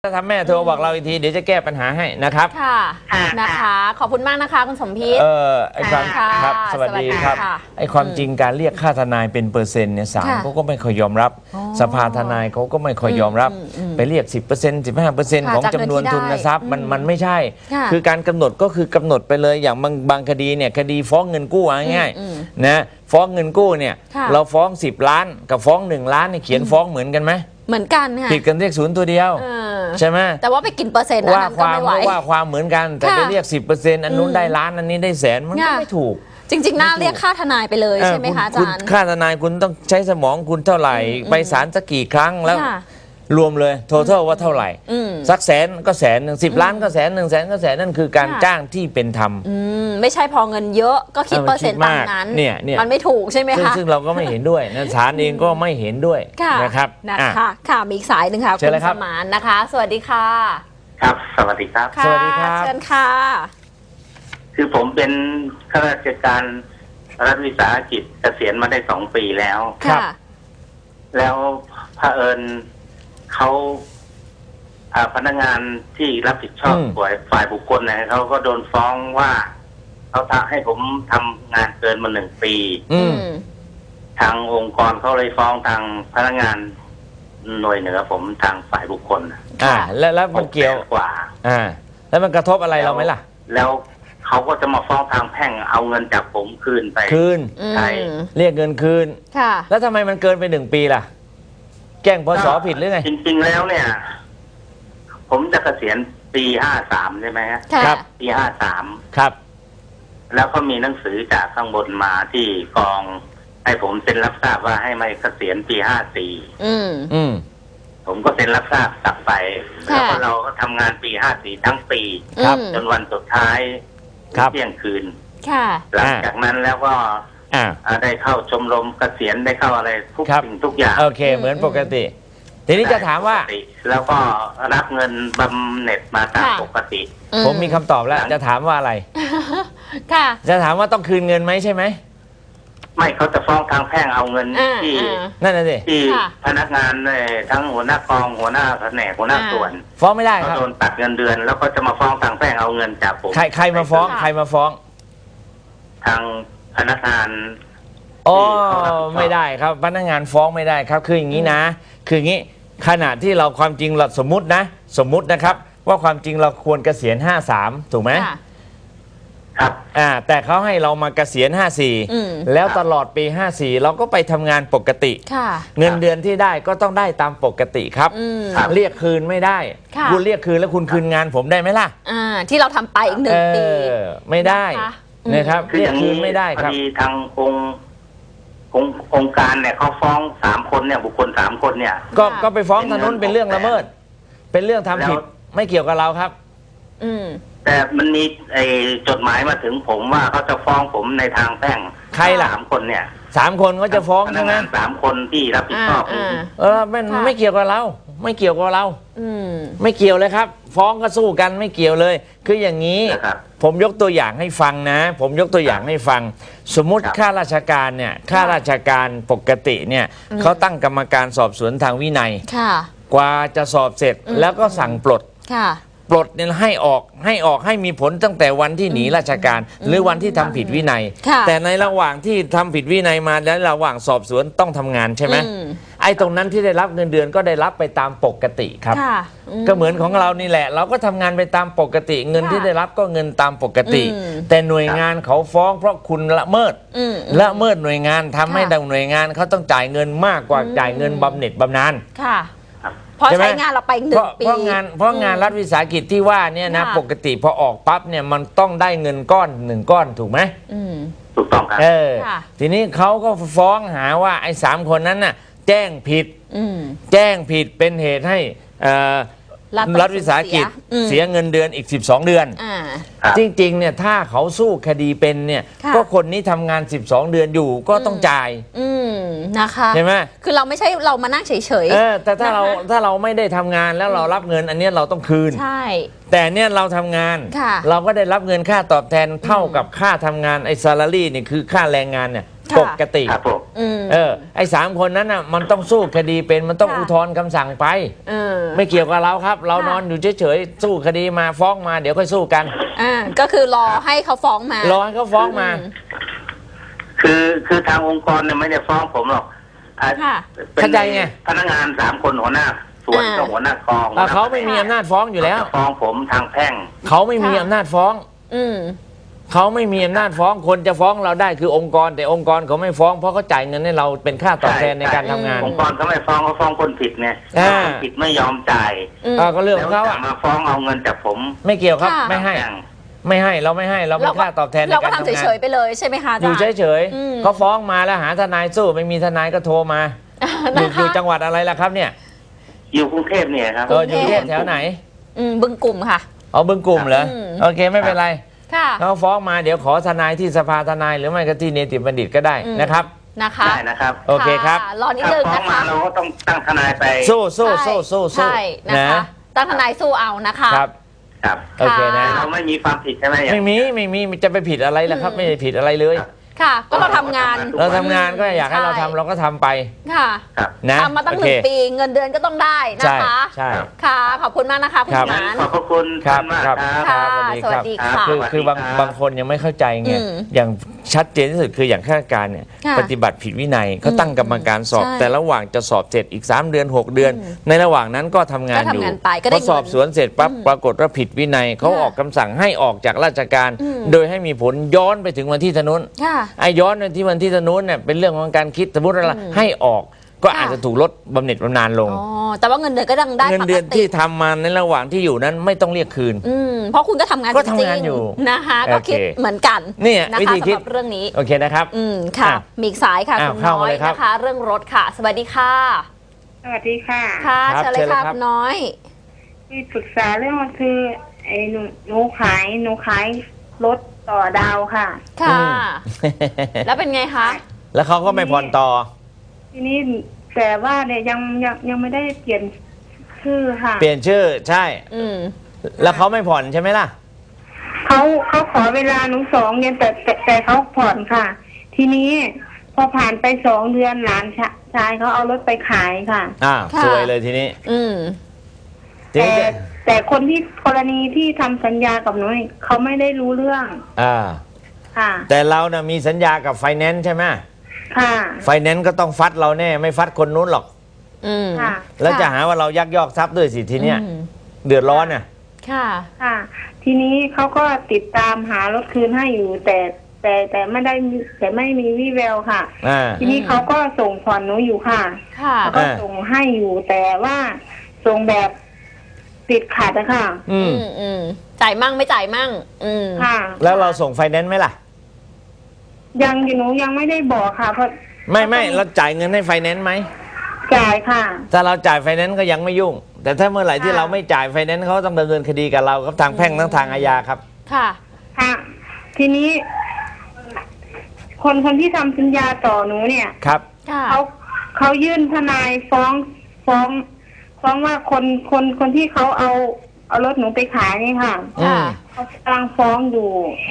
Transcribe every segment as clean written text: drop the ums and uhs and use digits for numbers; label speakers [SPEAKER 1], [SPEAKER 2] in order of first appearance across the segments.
[SPEAKER 1] ถ้าทำแม่โทรบอกเราอีกทีเดี๋ยวจะแก้ปัญหาให้นะครับ
[SPEAKER 2] ค่ะนะคะขอบคุณมากนะคะคุณสมพิษ
[SPEAKER 1] ไอ้ความครับสวัสดีครับไอ้ความจริงการเรียกค่าทนายเป็นเปอร์เซ็นต์เนี่ยศาลเขาก็ไม่ค่อยยอมรับสภาทนายเขาก็ไม่ค่อยยอมรับไปเรียก 10% 15% ของจำนวนทุนทรัพย์มันไม่ใช่คือการกำหนดก็คือกำหนดไปเลยอย่างบางคดีเนี่ยคดีฟ้องเงินกู้ง่ายๆนะฟ้องเงินกู้เนี่ยเราฟ้อง10 ล้านกับฟ้อง1 ล้านเนี่ยเขียนฟ้องเหมือนกันไหม
[SPEAKER 2] เหมือนกันค่ะ
[SPEAKER 1] ผิดกันเลขศูนย์ตัวเดียวใช่ไหม
[SPEAKER 2] แต่ว่าไปกินเปอร์เซ็นต์
[SPEAKER 1] ว่าความเหมือนกันแต่ไปเรียก 10%อันนู้นได้ล้านอันนี้ได้แสนมันก็ไม่ถูก
[SPEAKER 2] จริงๆน่าเรียกค่าทนายไปเลยใช่ไหมคะอาจารย์
[SPEAKER 1] ค่าทนายคุณต้องใช้สมองคุณเท่าไหร่ไปศาลสักกี่ครั้งแล้วรวมเลยtotalว่าเท่าไหร่สักแสนก็แสนหนึ่ง10 ล้านก็แสน1 แสนก็แสนนั่นคือการจ้างที่เป็นธรรม
[SPEAKER 2] ไม่ใช่พอเงินเยอะก็คิดเปอร์เซ็นต์ตามนั้นมันไม่ถูกใช่ไหมคะ
[SPEAKER 1] ซึ่งเราก็ไม่เห็นด้วยนะศาลเองก็ไม่เห็นด้วยนะครับ
[SPEAKER 2] ค่ะมีอีกสายหนึ่งค่ะคุณสมานนะคะสวัสดีค่ะ
[SPEAKER 3] ครับสวัสดีครับ
[SPEAKER 1] สวัสดีครับ
[SPEAKER 2] เชิญค่ะ
[SPEAKER 3] คือผมเป็นข้าราชการรัฐวิสาหกิจเกษียณมาได้2 ปีแล้ว
[SPEAKER 2] ครับ
[SPEAKER 3] แล้วเผอิญเขาพนักงานที่รับผิดชอบฝ่ายบุคคลเนี่ยเขาก็โดนฟ้องว่าเขาให้ผมทำงานเกินมา1 ปีทางองค์กรเขาเลยฟ้องทางพนักงานหน่วยเหนือผมทางฝ่ายบุคคล
[SPEAKER 1] แล้วมันเกี่ยว
[SPEAKER 3] กว่า
[SPEAKER 1] แล้วมันกระทบอะไรเราไหมล่ะ
[SPEAKER 3] แล้วเขาก็จะมาฟ้องทางแพ่งเอาเงินจากผมคืนไปใช่
[SPEAKER 1] เรียกเงินคืนแล้วทำไมมันเกินไป1 ปีล่ะแจ้งพศผิดหรือไง
[SPEAKER 3] จริงๆแล้วเนี่ยผมจะเกษียณปี53ใช่ไหม
[SPEAKER 1] ครับ
[SPEAKER 3] ปี53
[SPEAKER 1] ครับ
[SPEAKER 3] แล้วก็มีหนังสือจากข้างบนมาที่กองให้ผมเซ็นรับทราบว่าให้ไม่เกษียณปี54ผมก็เซ็นรับทราบกลับไปแล้วก็เราก็ทำงานปี54ทั้งปีจนวันสุดท้ายเที่ยงคืนหลังจากนั้นแล้วก็ได้เข้าชมรมเกษียณได้เข้าอะไรทุกสิ่งทุกอย่าง
[SPEAKER 1] โอเคเหมือนปกติทีนี้จะถามว่า
[SPEAKER 3] แล้วก็รับเงินบำเหน็จมาตามปกติ
[SPEAKER 1] ผมมีคำตอบแล้วจะถามว่าอะไร
[SPEAKER 2] ค่ะ
[SPEAKER 1] จะถามว่าต้องคืนเงินไหมใช่ไหม
[SPEAKER 3] ไม่เขาจะฟ้องทางแพ่งเอาเงินที่
[SPEAKER 1] นั่นน่ะสิ
[SPEAKER 3] ที่พนักงานทั้งหัวหน้ากองหัวหน้าแผนกหัวหน้าส่วน
[SPEAKER 1] ฟ้องไม่ได้ครับ
[SPEAKER 3] โดนตัดเงินเดือนแล้วก็จะมาฟ้องทางแพ่งเอาเงินจากผม
[SPEAKER 1] ใครมาฟ้อง
[SPEAKER 3] ทางพนักงาน
[SPEAKER 1] ไม่ได้ครับพนักงานฟ้องไม่ได้ครับคืออย่างนี้นะคืออย่างนี้ขณะที่เราความจริงเราสมมุตินะครับว่าความจริงเราควรเกษียณ53ถูกไหม
[SPEAKER 3] ครับ
[SPEAKER 1] แต่เขาให้เรามาเกษียณ54แล้วตลอดปี54เราก็ไปทำงานปกติเงินเดือนที่ได้ก็ต้องได้ตามปกติครับเรียกคืนไม่ได้คุณเรียกคืนแล้วคุณคืนงานผมได้ไหมล่ะ
[SPEAKER 2] ที่เราทำไปอีก1 ปี
[SPEAKER 1] ไม่ได้นะครับเรียกคืนไม่ได้ครับ
[SPEAKER 3] ทางองค์การเนี่ยเขาฟ้อง3 คนเนี่ยบุคคล3 คนเนี่ย
[SPEAKER 1] ก็ไปฟ้องทางนู้นเป็นเรื่องละเมิดเป็นเรื่องทำผิดไม่เกี่ยวกับเราครับ
[SPEAKER 3] แต่มันมีจดหมายมาถึงผมว่าเขาจะฟ้องผมในทางแพ่ง
[SPEAKER 1] ใครล่ะ
[SPEAKER 3] 3 คนเนี่ย
[SPEAKER 1] 3 คนก็จะฟ้องใช่ไหม
[SPEAKER 3] 3 คนที่รับผิดชอบ
[SPEAKER 1] ไม่เกี่ยวกับเราไม่เกี่ยวกับเราไม่เกี่ยวเลยครับฟ้องก็สู้กันไม่เกี่ยวเลยคืออย่างนี้ผมยกตัวอย่างให้ฟังนะผมยกตัวอย่างให้ฟังสมมุติข้าราชการเนี่ยข้าราชการปกติเนี่ยเขาตั้งกรรมการสอบสวนทางวินัยกว่าจะสอบเสร็จแล้วก็สั่งปลดปลดเนี่ยให้ออกให้มีผลตั้งแต่วันที่หนีราชการหรือวันที่ทำผิดวินัยแต่ในระหว่างที่ทำผิดวินัยมาแล้วระหว่างสอบสวนต้องทำงานใช่ไหมไอ้ตรงนั้นที่ได้รับเงินเดือนก็ได้รับไปตามปกติครับก็เหมือนของเรานี่แหละเราก็ทำงานไปตามปกติเงินที่ได้รับก็เงินตามปกติแต่หน่วยงานเขาฟ้องเพราะคุณละเมิดหน่วยงานทำให้หน่วยงานเขาต้องจ่ายเงินมากกว่าจ่ายเงินบำเหน็จบำนาญ
[SPEAKER 2] พอใช้งานเราไป1 ปี
[SPEAKER 1] เพราะงานรัฐวิสาหกิจที่ว่าเนี่ยนะปกติพอออกปั๊บเนี่ยมันต้องได้เงินก้อน1 ก้อนถูกไหม
[SPEAKER 3] ถูกต้องครับ
[SPEAKER 1] ทีนี้เขาก็ฟ้องหาว่าไอ้3 คนนั้นน่ะแจ้งผิดเป็นเหตุให้รัฐวิสาหกิจเสียเงินเดือนอีก12 เดือนจริงๆเนี่ยถ้าเขาสู้คดีเป็นเนี่ยก็คนนี้ทำงาน12 เดือนอยู่ก็ต้องจ่าย
[SPEAKER 2] นะคะ
[SPEAKER 1] ใช่ไหม
[SPEAKER 2] คือเราไม่ใช่เรามานั่งเฉย
[SPEAKER 1] ๆแต่ถ้าเราไม่ได้ทำงานแล้วเรารับเงินอันนี้เราต้องคืน
[SPEAKER 2] ใช่
[SPEAKER 1] แต่เนี่ยเราทำงานเราก็ได้รับเงินค่าตอบแทนเท่ากับค่าทำงานไอ้ซาลารี่เนี่ยคือค่าแรงงานเนี่ยปกติ
[SPEAKER 3] ครับผม
[SPEAKER 1] ไอ้3 คนนั้นน่ะมันต้องสู้คดีเป็นมันต้องอุทธรณ์คำสั่งไปไม่เกี่ยวกับเราครับ เรานอนอยู่เฉยๆสู้คดีมาฟ้องมาเดี๋ยวค่อยสู้กัน
[SPEAKER 2] ก็คือรอให้เขาฟ้องมาร
[SPEAKER 1] อให้เขาฟ้องมา
[SPEAKER 3] คือทางองค์กรเนี่ยไม่ได้ฟ้องผมหรอก
[SPEAKER 1] เข้าใจไง
[SPEAKER 3] พนักงาน3 คนหัวหน้าส่วนกับหัวหน้ากอง
[SPEAKER 1] เขาไม่มีอำนาจฟ้องอยู่แล้ว
[SPEAKER 3] ฟ้องผมทางแพ่ง
[SPEAKER 1] เขาไม่มีอำนาจฟ้องเขาไม่มีอำนาจฟ้องคนจะฟ้องเราได้คือองค์กรแต่องค์กรเขาไม่ฟ้องเพราะเขาจ่ายเงินให้เราเป็นค่าตอบแทนในการทำงาน
[SPEAKER 3] องค์กรเขาไม่ฟ้องเขาฟ้องคนผิดไงคนผิดไม่ยอมจ่าย
[SPEAKER 1] ก็เรื่องของเขา
[SPEAKER 3] มาฟ้องเอาเงินจากผม
[SPEAKER 1] ไม่เกี่ยวครับไม่ให้เราไม่ให้เราเป็นค่าตอบแทนในการทำงาน
[SPEAKER 2] เราก็ทำเฉยๆไปเลยใช่ไหมคะ
[SPEAKER 1] อยู่เฉยๆเขาฟ้องมาแล้วหาทนายสู้ไม่มีทนายก็โทรมาอยู่จังหวัดอะไรล่ะครับเนี่ย
[SPEAKER 3] อยู่กรุงเทพเนี่ยครับ
[SPEAKER 1] อยู่กรุงเทพแถวไหน
[SPEAKER 2] บึงกลุ่มค่ะ
[SPEAKER 1] บึงกลุ่มเหรอโอเคไม่เป็นไรเขาฟ้องมาเดี๋ยวขอทนายที่สภาทนายหรือไม่ก็ที่เนติบัณฑิตก็ได้นะครับ
[SPEAKER 3] ได้นะครับ
[SPEAKER 1] โอเคครับ
[SPEAKER 2] รอนิดนึงนะคะ
[SPEAKER 3] เราก็ต้องตั้งทนายไป
[SPEAKER 1] สู้
[SPEAKER 2] ใช่นะคะตั้งทนายสู้เอานะคะ
[SPEAKER 3] ครับ
[SPEAKER 1] โอเคนะ
[SPEAKER 3] เราไม่มีความผิดใช่ไหม
[SPEAKER 1] ไม่มีจะไปผิดอะไรล่ะครับไม่ได้ผิดอะไรเลย
[SPEAKER 2] ค่ะก็เราทำงาน
[SPEAKER 1] ก็อยากให้เราทำเราก็ทำไป
[SPEAKER 2] ค่ะ
[SPEAKER 1] นะ
[SPEAKER 2] ทำมาตั้ง1 ปีเงินเดือนก็ต้องได้นะคะ
[SPEAKER 1] ใช่
[SPEAKER 2] ค่ะขอบคุณมากนะคะคุณหมาน
[SPEAKER 3] ขอบคุณมากครับ
[SPEAKER 2] สวัสดีค่ะ
[SPEAKER 1] คือบางคนยังไม่เข้าใจไงอย่างชัดเจนที่สุดคืออย่างข้าราชการเนี่ยปฏิบัติผิดวินัยเขาตั้งกรรมการสอบแต่ระหว่างจะสอบเสร็จอีก3 เดือน 6 เดือนในระหว่างนั้นก็ทำงานอยู่พอสอบสวนเสร็จปั๊บปรากฏว่าผิดวินัยเขาออกคำสั่งให้ออกจากราชการโดยให้มีผลย้อนไปถึงวันที่ถนนไอ้ย้อนที่วันที่ถนนเนี่ยเป็นเรื่องของการคิดสมมติอะไรให้ออกก็อาจจะถูกลดบำเหน็จบำนาญลง
[SPEAKER 2] แต่ว่าเงินเดือนก็ยังได้
[SPEAKER 1] เงินเดือนที่ทำมาในระหว่างที่อยู่นั้นไม่ต้องเรียกคืน
[SPEAKER 2] เพราะคุณก็ทำงาน
[SPEAKER 1] ก็ทำงานอยู่
[SPEAKER 2] นะคะก็คิดเหมือนกัน
[SPEAKER 1] นี่
[SPEAKER 2] วิธีคิดเรื่องนี้
[SPEAKER 1] โอเคนะครับ
[SPEAKER 2] ค่ะมีสายค่ะคุณน้อยนะคะเรื่องรถค่ะสวัสดีค่ะ
[SPEAKER 4] สวัสดีค่ะ
[SPEAKER 2] ค่ะเชิญเลยค่ะคุณน้อย
[SPEAKER 4] มีปรึกษาเรื่องมันคือไอ้หนูขายรถต่อดาวค่ะ
[SPEAKER 2] แล้วเป็นไงคะ
[SPEAKER 1] แล้วเขาก็ไม่ผ่อนต่อ
[SPEAKER 4] ทีนี้แต่ว่าเนี่ยยังไม่ได้เปลี่ยนชื่อค่ะ
[SPEAKER 1] เปลี่ยนชื่อใช่แล้วเขาไม่ผ่อนใช่ไหมล่ะ
[SPEAKER 4] เขาขอเวลาหนู2 เดือนแต่เขาผ่อนค่ะทีนี้พอผ่านไป2 เดือนหลานชายเขาเอารถไปขายค่ะ
[SPEAKER 1] สวยเลยทีนี้
[SPEAKER 4] แต่คนที่กรณีที่ทำสัญญากับหนูเขาไม่ได้รู้เรื่องค่ะ
[SPEAKER 1] แต่เราเนี่ยมีสัญญากับไฟแนนซ์ใช่ไหม
[SPEAKER 4] ค่ะ
[SPEAKER 1] ไฟแนนซ์ก็ต้องฟัดเราแน่ไม่ฟัดคนนู้นหรอก
[SPEAKER 4] ค่ะ
[SPEAKER 1] แล้วจะหาว่าเรายักยอกทรัพย์ด้วยสิทีเนี้ยเดือดร้อนน่ะ
[SPEAKER 4] ค่ะทีนี้เขาก็ติดตามหารถคืนให้อยู่แต่ไม่มีวี่แววค่ะทีนี้เขาก็ส่งผ่อนหนูอยู่ค่ะเขาก็ส่งให้อยู่แต่ว่าส่งแบบติดขัดนะคะ
[SPEAKER 2] จ่ายมั่งไม่จ่ายมั่ง
[SPEAKER 4] ค่ะ
[SPEAKER 1] แล้วเราส่งไฟแนนซ์ไหมล่ะ
[SPEAKER 4] ยังหนูยังไม่ได้บอกค่ะเพราะ
[SPEAKER 1] ไม่เราจ่ายเงินให้ไฟแนนซ์ไหม
[SPEAKER 4] จ่ายค่ะ
[SPEAKER 1] ถ้าเราจ่ายไฟแนนซ์ก็ยังไม่ยุ่งแต่ถ้าเมื่อไหร่ที่เราไม่จ่ายไฟแนนซ์เขาต้องดำเนินคดีกับเราครับทางแพ่งทั้งทางอาญาครับ
[SPEAKER 2] ค่ะ
[SPEAKER 4] ทีนี้คนที่ทำสัญญาต่อหนูเนี่ย
[SPEAKER 1] ครับ
[SPEAKER 4] เขายื่นทนายฟ้องว่าคนที่เขาเอารถหนูไปขายนี่ค่ะเขากำลังฟ้องอยู่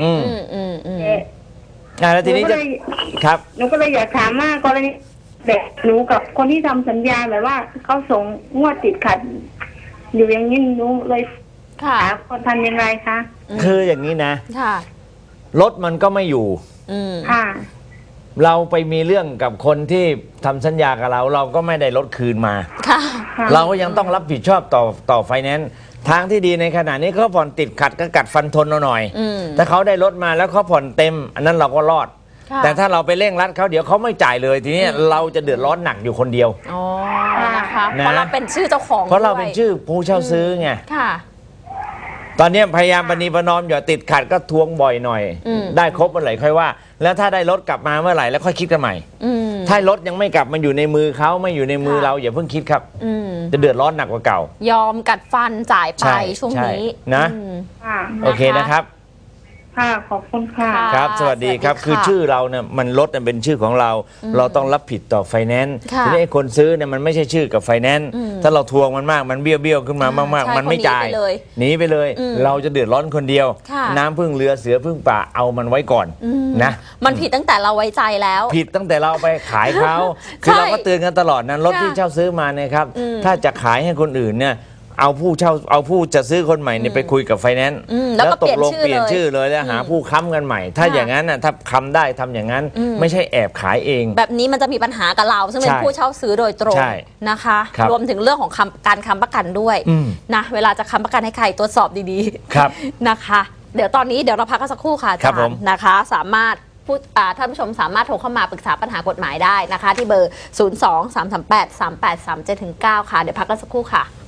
[SPEAKER 1] แล้วทีนี้จะครับ
[SPEAKER 4] หนูก็เลยอยากถามว่ากรณีแบบหนูกับคนที่ทำสัญญาแบบว่าเขาส่งงวดติดขัดอยู่อย่างนี้หนูเลยหาคนทำยังไงคะ
[SPEAKER 1] คืออย่างนี้นะรถมันก็ไม่อยู่
[SPEAKER 4] ค่ะ
[SPEAKER 1] เราไปมีเรื่องกับคนที่ทำสัญญากับเราก็ไม่ได้รถคืนมาเราก็ยังต้องรับผิดชอบต่อไฟแนนซ์ทางที่ดีในขณะนี้เขาผ่อนติดขัดก็กัดฟันทนหน่อยถ้าเขาได้รถมาแล้วเขาผ่อนเต็มอันนั้นเราก็รอดแต่ถ้าเราไปเร่งรัดเขาเดี๋ยวเขาไม่จ่ายเลยทีนี้เราจะเดือดร้อนหนักอยู่คนเดียว
[SPEAKER 2] นะคะเพราะเราเป็นชื่อเจ้าของ
[SPEAKER 1] เพราะเราเป็นชื่อผู้เช่าซื้อไงตอนนี้พยายามประนีประนอมอย่าติดขัดก็ทวงบ่อยหน่อยได้ครบเมื่อไหร่ค่อยว่าแล้วถ้าได้รถกลับมาเมื่อไหร่แล้วค่อยคิดกันใหม่ถ้ารถยังไม่กลับมาอยู่ในมือเขาไม่อยู่ในมือเราอย่าเพิ่งคิดครับจะเดือดร้อนหนักกว่าเก่าย
[SPEAKER 2] อมกัดฟันจ่ายไปช่วงนี้
[SPEAKER 1] นะโอเคนะครับ
[SPEAKER 4] ค่ะขอบคุณค่ะ
[SPEAKER 1] ครับสวัสดีครับ
[SPEAKER 2] สวัสดีค่ะ
[SPEAKER 1] คือชื่อเราเนี่ยมันรถเป็นชื่อของเรา เราต้องรับผิดต่อไฟแนนซ์
[SPEAKER 2] ค่ะ
[SPEAKER 1] ทีนี้ไอ้คนซื้อเนี่ยมันไม่ใช่ชื่อกับไฟแนนซ์ถ้าเราทวงมันมากมันเบี้ยวขึ้นมามาก
[SPEAKER 2] ใช่
[SPEAKER 1] ๆมันไม่จ่าย
[SPEAKER 2] คนหนีไปเลย
[SPEAKER 1] หนีไปเลย เราจะเดือดร้อนคนเดียว
[SPEAKER 2] ค่ะ
[SPEAKER 1] น้ำพึ่งเรือเสือพึ่งป่าเอามันไว้ก่อนนะ
[SPEAKER 2] มันผิดตั้งแต่เราไว้ใจแล้ว
[SPEAKER 1] ผิดตั้งแต่เราไปขายเขา คือ
[SPEAKER 2] ใช่
[SPEAKER 1] เราก็เตือนกันตลอดนะรถ
[SPEAKER 2] ค่ะ
[SPEAKER 1] ที่เช่าซื้อมาเนี่ยครับถ้าจะขายให้คนอื่นเนี่ยเอาผู้จะซื้อคนใหม่เนี่ยไปคุยกับไฟแนนซ์
[SPEAKER 2] แล้วก็
[SPEAKER 1] ตกลง
[SPEAKER 2] เป
[SPEAKER 1] เป
[SPEAKER 2] ลี่
[SPEAKER 1] ลี่
[SPEAKER 2] ย
[SPEAKER 1] ย
[SPEAKER 2] น
[SPEAKER 1] น
[SPEAKER 2] ชื่
[SPEAKER 1] ชื่
[SPEAKER 2] อ
[SPEAKER 1] อเลยแล้วหาผู้ค้ำกันใหม่ ถ้า
[SPEAKER 2] ค่ะ
[SPEAKER 1] อย่างนั้นน่ะถ้าค้ำได้ทำอย่างนั้น ไม่ใช่แอบขายเอง
[SPEAKER 2] แบบนี้มันจะมีปัญหากับเราซึ่งเป็น
[SPEAKER 1] ใช่
[SPEAKER 2] ผู้เช่าซื้อโดยตรง
[SPEAKER 1] ใช่
[SPEAKER 2] นะคะ
[SPEAKER 1] ครับ
[SPEAKER 2] รวมถึงเรื่องของการค้ำประกันด้วยนะเวลาจะค้ำประกันให้ใครตรวจสอบดีๆ
[SPEAKER 1] ครับ
[SPEAKER 2] นะคะ เดี๋ยวตอนนี้เดี๋ยวเราพักกันสักครู่ค่ะอา
[SPEAKER 1] ครั
[SPEAKER 2] จา
[SPEAKER 1] บผม
[SPEAKER 2] รย์นะคะ สามารถท่านผู้ชมสามารถโทรเข้ามาปรึกษาปัญหากฎหมายได้นะคะ ที่เบอร์ 023383837-9 ค่ะ เดี๋ยวพักกันสักครู่ค่ะ